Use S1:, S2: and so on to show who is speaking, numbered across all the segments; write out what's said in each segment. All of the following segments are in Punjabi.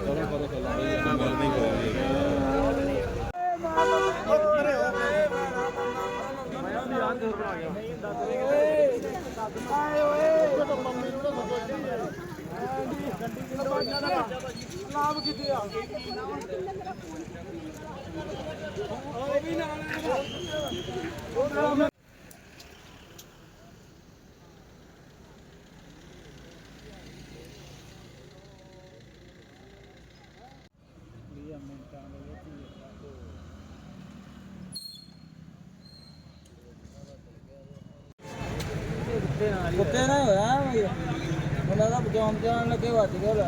S1: ਕੁੱਤੇ ਨਾ ਹੋਇਆ ਉਹਨਾਂ ਦਾ ਬਚਾਉਣ ਜਾਣ ਲੱਗੇ ਵੱਜ ਗਿਆ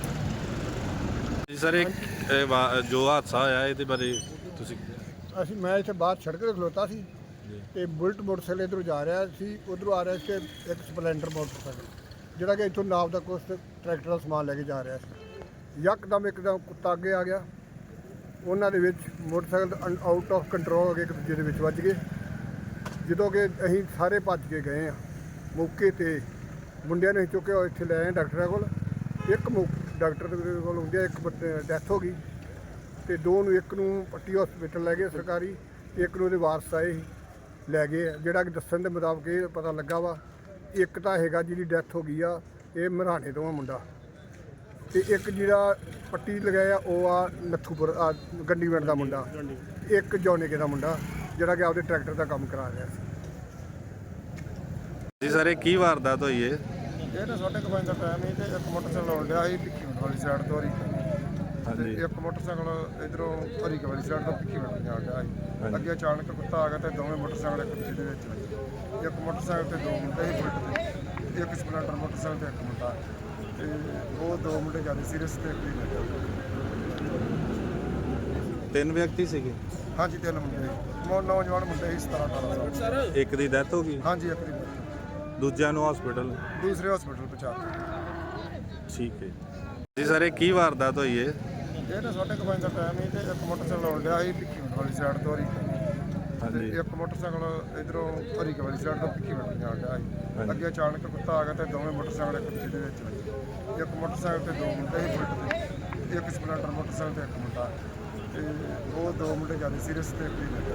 S2: ਜੀ ਸਰ ਇੱਕ ਜੋ ਹਾਦਸਾ ਹੋਇਆ ਇਹਦੇ ਬਾਰੇ ਤੁਸੀਂ
S3: ਮੈਂ ਇੱਥੇ ਬਾਹਰ ਸੜਕ ਤੇ ਖਲੋਤਾ ਸੀ ਤੇ ਬੁਲਟ ਮੋਟਰਸਾਈਕਲ ਇੱਧਰੋਂ ਜਾ ਰਿਹਾ ਸੀ, ਉਧਰੋਂ ਆ ਰਿਹਾ ਸੀ ਇੱਕ ਸਪਲੈਂਡਰ ਮੋਟਰਸਾਈਕਲ ਜਿਹੜਾ ਕਿ ਇੱਥੋਂ ਨਾਪ ਦਾ ਕੁਛ ਟਰੈਕਟਰ ਦਾ ਸਮਾਨ ਲੈ ਕੇ ਜਾ ਰਿਹਾ ਸੀ। ਇੱਕਦਮ ਕੁੱਤਾ ਅੱਗੇ ਆ ਗਿਆ, ਉਹਨਾਂ ਦੇ ਵਿੱਚ ਮੋਟਰਸਾਈਕਲ ਆਊਟ ਆਫ ਕੰਟਰੋਲ ਹੋ ਗਏ, ਇੱਕ ਦੂਜੇ ਦੇ ਵਿੱਚ ਵੱਜ ਗਏ। ਜਦੋਂ ਕਿ ਅਸੀਂ ਸਾਰੇ ਭੱਜ ਕੇ ਗਏ ਆ ਮੌਕੇ ਤੇ, ਮੁੰਡਿਆਂ ਨੂੰ ਚੁੱਕਿਆ ਇੱਥੇ ਲੈ ਆਏ ਡਾਕਟਰਾਂ ਕੋਲ। ਇੱਕ ਡਾਕਟਰ ਦੇ ਕੋਲ ਹੁੰਦਿਆ ਇੱਕ ਡੈਥ ਹੋ ਗਈ ਤੇ ਦੋ ਨੂੰ, ਇੱਕ ਨੂੰ ਪੱਟੀ ਹਸਪੀਟਲ ਲੈ ਗਏ ਸਰਕਾਰੀ, ਇੱਕ ਨੂੰ ਉਹਦੇ ਵਾਰਸ ਆਏ ਲੈ ਗਏ। ਜਿਹੜਾ ਕਿ ਦੱਸਣ ਦੇ ਮੁਤਾਬਕ ਇਹ ਪਤਾ ਲੱਗਾ ਵਾ ਇੱਕ ਤਾਂ ਹੈਗਾ ਜਿਹਦੀ ਡੈਥ ਹੋ ਗਈ ਆ ਇਹ ਮਰਾਣੇ ਤੋਂ ਆ ਮੁੰਡਾ, ਤੇ ਇੱਕ ਜਿਹੜਾ ਪੱਟੀ ਲਗਾਇਆ ਉਹ ਆ ਨੱਥੂਪੁਰ ਗੰਡੀਵਿੰਡ ਦਾ ਮੁੰਡਾ, ਇੱਕ ਜੌਨੇਕੇ ਦਾ ਮੁੰਡਾ ਜਿਹੜਾ ਕਿ ਆਪਦੇ ਟਰੈਕਟਰ ਦਾ ਕੰਮ ਕਰਾ ਰਿਹਾ ਸੀ।
S2: ਜੀ ਸਰ ਇਹ ਕੀ ਵਾਰਦਾਤ ਹੋਈ ਹੈ?
S4: ਇਹ ਤਾਂ 5:30 ਦਾ ਟਾਈਮ ਸੀ ਤੇ ਇੱਕ ਮੋਟਰਸਾਈਕਲ ਆਉਣ ਡਿਆ ਸੀ ਭਿੱਖੀਵਿੰਡ ਵਾਲੀ ਸਾਈਡ ਤੋਂ
S2: ਹਾਂਜੀ,
S4: ਇੱਕ ਮੋਟਰਸਾਈਕਲ ਇਧਰੋਂ ਹਰੀਕੇ ਵਾਲੀ ਸਾਈਡ ਤੋਂ ਭਿੱਖੀਵਿੰਡ ਜਾਣ ਡਿਆ ਸੀ। ਅੱਗੇ ਅਚਾਨਕ ਕੁੱਤਾ ਆ ਗਿਆ ਤੇ ਦੋਵੇਂ ਮੋਟਰਸਾਈਕਲ ਇੱਕ ਦੂਜੇ ਦੇ ਵਿੱਚ ਵੱਜੇ। ਇੱਕ ਮੋਟਰਸਾਈਕਲ ਤੇ ਦੋ ਮੁੰਡੇ ਸੀ ਬੁਲਟ ਤੇ, ਇੱਕ ਸਪਲੈਂਡਰ ਮੋਟਰਸਾਈਕਲ ਤੇ ਇੱਕ ਮੁੰਡਾ, ਤੇ ਉਹ ਦੋ ਮੁੰਡੇ ਜ਼ਿਆਦਾ ਸੀਰੀਅਸ ਤੇ ਇੱਕ ਹੀ ਲੱਗਾ।
S2: 3 ਵਿਅਕਤੀ ਸੀਗੇ?
S4: ਹਾਂਜੀ 3 ਮੁੰਡੇ ਨੌਜਵਾਨ ਮੁੰਡੇ ਸੀ 17-18 ਸਾਲ।
S2: ਇੱਕ ਦੀ ਡੈਥ ਹੋ ਗਈ?
S4: ਹਾਂਜੀ ਇੱਕ ਦੀ,
S2: ਦੂਜਿਆਂ ਨੂੰ ਹਸਪੀਟਲ?
S4: ਦੂਸਰੇ ਹਸਪੀਟਲ ਪਹੁੰਚਾ ਦਿੱਤਾ।
S2: ਠੀਕ ਹੈ ਜੀ ਸਰ ਇਹ ਕੀ ਵਾਰਦਾਤ ਹੋਈ ਹੈ?
S4: ਇਹ ਤਾਂ 5:30 ਦਾ ਟਾਈਮ ਸੀ ਤੇ ਇੱਕ ਮੋਟਰਸਾਈਕਲ ਆਉਣ ਡਿਆ ਸੀ ਭਿੱਖੀਵਿੰਡ ਵਾਲੀ ਸਾਈਡ ਤੋਂ
S2: ਹਾਂਜੀ,
S4: ਇੱਕ ਮੋਟਰਸਾਈਕਲ ਇਧਰੋਂ ਹਰੀਕੇ ਵਾਲੀ ਸਾਈਡ ਤੋਂ ਭਿੱਖੀਵਿੰਡ ਜਾਣ ਡਿਆ ਸੀ। ਅੱਗੇ ਅਚਾਨਕ ਕੁੱਤਾ ਆ ਗਿਆ ਤੇ ਦੋਵੇਂ ਮੋਟਰਸਾਈਕਲ ਇੱਕ ਦੂਜੇ ਦੇ ਵਿੱਚ ਵੱਜੇ। ਇੱਕ ਮੋਟਰਸਾਈਕਲ ਤੇ ਦੋ ਮੁੰਡੇ ਸੀ ਬੁਲਟ ਤੇ, ਇੱਕ ਸਪਲੈਂਡਰ ਮੋਟਰਸਾਈਕਲ ਤੇ ਇੱਕ ਮੁੰਡਾ, ਤੇ ਉਹ ਦੋ ਮੁੰਡੇ ਜ਼ਿਆਦਾ ਸੀਰੀਅਸ ਤੇ ਇੱਕ ਹੀ ਲੱਗਾ।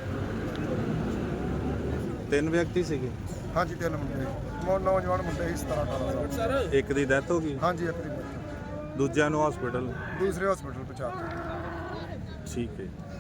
S2: 3 ਵਿਅਕਤੀ ਸੀਗੇ?
S4: ਹਾਂਜੀ 3 ਮੁੰਡੇ ਨੌਜਵਾਨ ਮੁੰਡੇ ਸੀ 17-18 ਸਾਲ।
S2: ਇੱਕ ਦੀ ਡੈਥ ਹੋ ਗਈ?
S4: ਹਾਂਜੀ ਇੱਕ ਦੀ,
S2: ਦੂਜਿਆਂ ਨੂੰ ਹਸਪੀਟਲ?
S4: ਦੂਸਰੇ ਹਸਪੀਟਲ ਪਹੁੰਚਾ ਦਿੱਤਾ।
S2: ਠੀਕ ਹੈ।